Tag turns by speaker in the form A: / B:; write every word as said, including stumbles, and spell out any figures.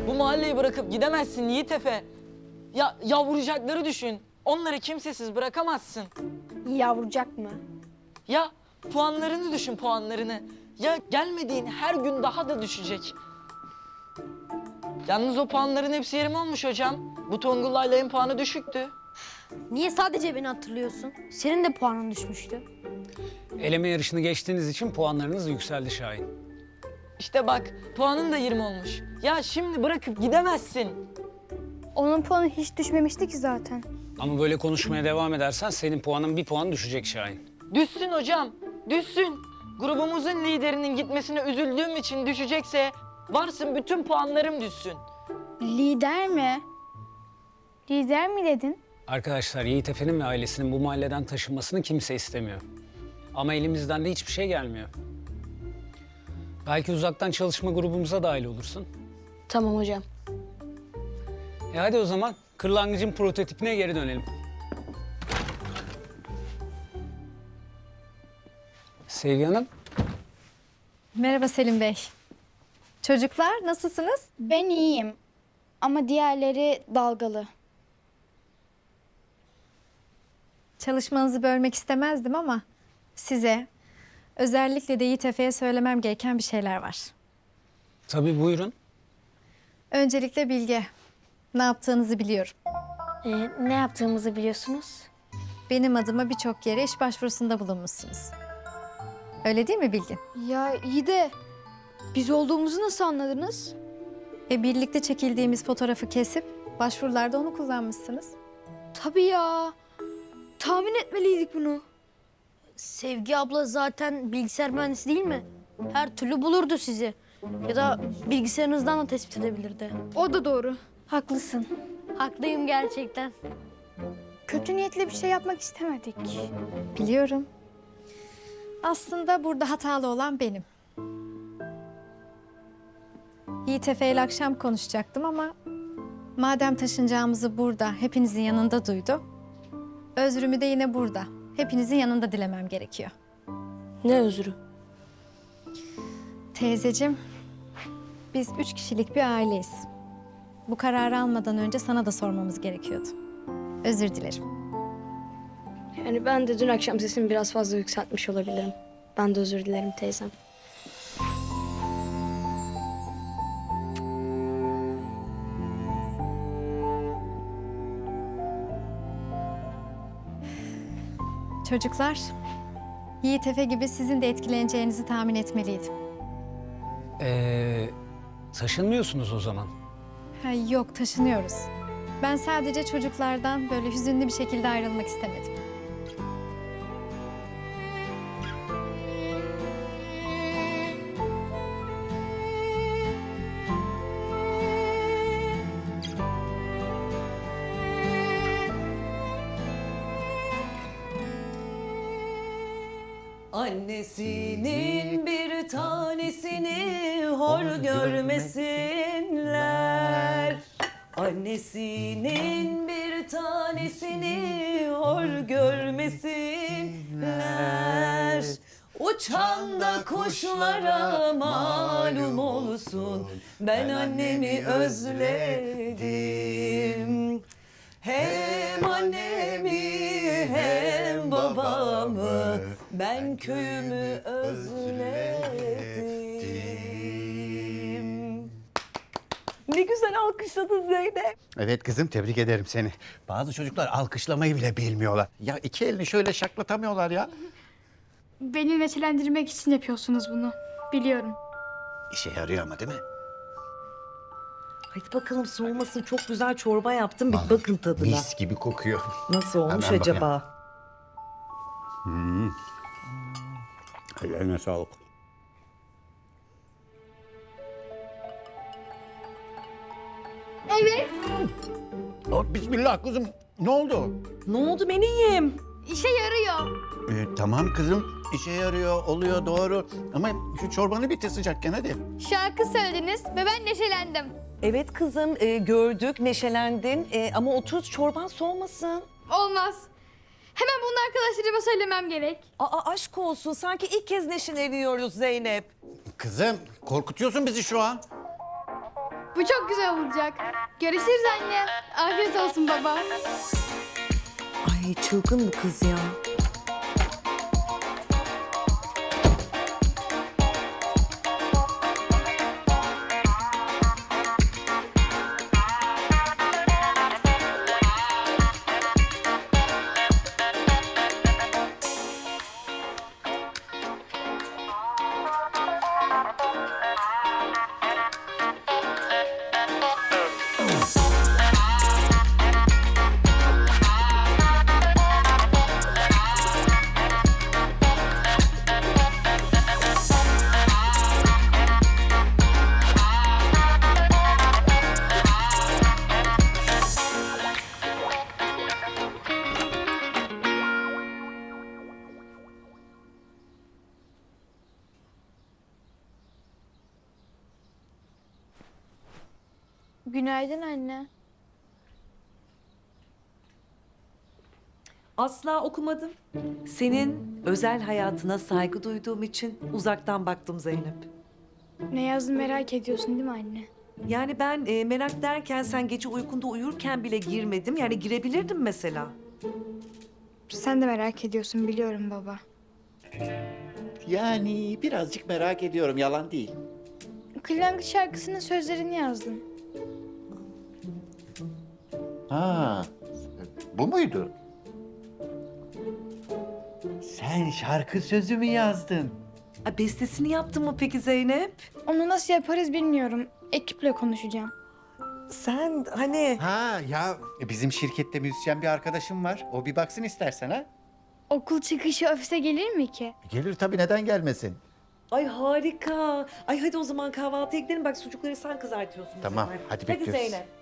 A: Bu mahalleyi bırakıp gidemezsin Yiğit Efe. Ya yavrucakları düşün. Onları kimsesiz bırakamazsın.
B: Yavrucak mı?
A: Ya puanlarını düşün, puanlarını. Ya gelmediğin her gün daha da düşecek. Yalnız o puanların hepsi yerim olmuş hocam. Bu Tongul'la en puanı düşüktü.
B: Niye sadece beni hatırlıyorsun? Senin de puanın düşmüştü.
C: Eleme yarışını geçtiğiniz için puanlarınız yükseldi Şahin.
A: İşte bak, puanın da yirmi olmuş. Ya şimdi bırakıp gidemezsin.
D: Onun puanı hiç düşmemişti ki zaten.
C: Ama böyle konuşmaya devam edersen senin puanın bir puan düşecek Şahin.
A: Düşsün hocam, düşsün. Grubumuzun liderinin gitmesine üzüldüğüm için düşecekse varsın bütün puanlarım düşsün.
D: Lider mi? Lider mi dedin?
C: Arkadaşlar Yiğit Efe'nin ve ailesinin bu mahalleden taşınmasını kimse istemiyor. Ama elimizden de hiçbir şey gelmiyor. Belki uzaktan çalışma grubumuza dahil olursun.
B: Tamam hocam.
C: E hadi o zaman kırlangıcın prototipine geri dönelim. Sevgi Hanım.
E: Merhaba Selim Bey. Çocuklar nasılsınız?
D: Ben iyiyim. Ama diğerleri dalgalı.
E: Çalışmanızı bölmek istemezdim ama size, özellikle de Yiğit Efe'ye söylemem gereken bir şeyler var.
C: Tabii buyurun.
E: Öncelikle Bilge, ne yaptığınızı biliyorum.
B: Ee, ne yaptığımızı biliyorsunuz?
E: Benim adıma birçok yere iş başvurusunda bulunmuşsunuz. Öyle değil mi Bilge?
D: Ya iyi de biz olduğumuzu nasıl anladınız?
E: E birlikte çekildiğimiz fotoğrafı kesip başvurularda onu kullanmışsınız.
D: Tabii ya. Tahmin etmeliydik bunu.
B: Sevgi abla zaten bilgisayar mühendisi değil mi? Her türlü bulurdu sizi. Ya da bilgisayarınızdan da tespit edebilirdi.
D: O da doğru. Haklısın.
B: Haklıyım gerçekten.
D: Kötü niyetle bir şey yapmak istemedik.
E: Biliyorum. Aslında burada hatalı olan benim. Yiğit Efe ile akşam konuşacaktım ama madem taşınacağımızı burada hepinizin yanında duydu, özrümü de yine burada, hepinizin yanında dilemem gerekiyor.
B: Ne özrü?
E: Teyzeciğim, biz üç kişilik bir aileyiz. Bu kararı almadan önce sana da sormamız gerekiyordu. Özür dilerim.
B: Yani ben de dün akşam sesimi biraz fazla yükseltmiş olabilirim. Ben de özür dilerim teyzem.
E: Çocuklar, Yiğit Efe gibi sizin de etkileneceğinizi tahmin etmeliydim.
C: Ee, taşınmıyorsunuz o zaman.
E: Ha, yok, taşınıyoruz. Ben sadece çocuklardan böyle hüzünlü bir şekilde ayrılmak istemedim.
F: Annesinin bir tanesini hor görmesinler. Annesinin bir tanesini hor görmesinler. Uçan da kuşlara malum olsun, ben annemi özledim. Hem annemi hem babamı, ben köyümü özledim. Ne güzel alkışladın Zeynep.
G: Evet kızım, tebrik ederim seni. Bazı çocuklar alkışlamayı bile bilmiyorlar. Ya iki elini şöyle şaklatamıyorlar ya.
D: Beni neşelendirmek için yapıyorsunuz bunu. Biliyorum.
G: İşe yarıyor ama değil mi?
F: Hadi bakalım soğumasın, çok güzel çorba yaptım. Bir
G: Vallahi
F: bakın tadına.
G: Mis gibi kokuyor.
F: Nasıl olmuş
G: Hemen bakayım.
F: acaba?
G: Ellerine sağlık.
D: Evet.
G: Oh, bismillah kızım. Ne oldu?
F: Ne oldu meniyim?
D: İşe yarıyor.
G: Ee, tamam kızım. İşe yarıyor, oluyor doğru. Ama şu çorbanı bitir sıcakken hadi.
D: Şarkı söylediniz ve ben neşelendim.
F: Evet kızım, e, gördük, neşelendin. E, ama otur, çorban soğumasın.
D: Olmaz. Hemen bunu arkadaşlarıma söylemem gerek.
F: Aa, aşk olsun, sanki ilk kez neşeleniyoruz Zeynep.
G: Kızım, korkutuyorsun bizi şu an.
D: Bu çok güzel olacak. Görüşürüz anne. Afiyet olsun baba.
F: Ay çılgın bu kız ya.
D: Günaydın anne.
F: Asla okumadım. Senin özel hayatına saygı duyduğum için uzaktan baktım Zeynep.
D: Ne yazdın merak ediyorsun değil mi anne?
F: Yani ben e, merak derken sen gece uykunda uyurken bile girmedim. Yani girebilirdim mesela.
D: Sen de merak ediyorsun biliyorum baba.
G: Yani birazcık merak ediyorum, yalan değil.
D: Kırlangıç şarkısının sözlerini yazdım.
G: Ha, bu muydu? Sen şarkı sözü mü yazdın?
F: Ay, bestesini yaptın mı peki Zeynep?
D: Onu nasıl yaparız bilmiyorum. Ekiple konuşacağım.
F: Sen hani...
G: Ha ya, bizim şirkette müzisyen bir arkadaşım var. O bir baksın istersen ha.
D: Okul çıkışı ofise gelir mi ki?
G: Gelir tabii, neden gelmesin?
F: Ay harika. Ay hadi o zaman kahvaltıya gidelim. Bak sucukları sen kızartıyorsun. bu
G: Tamam,
F: sefer.
G: hadi
F: Hadi
G: bekliyoruz.
F: Zeynep.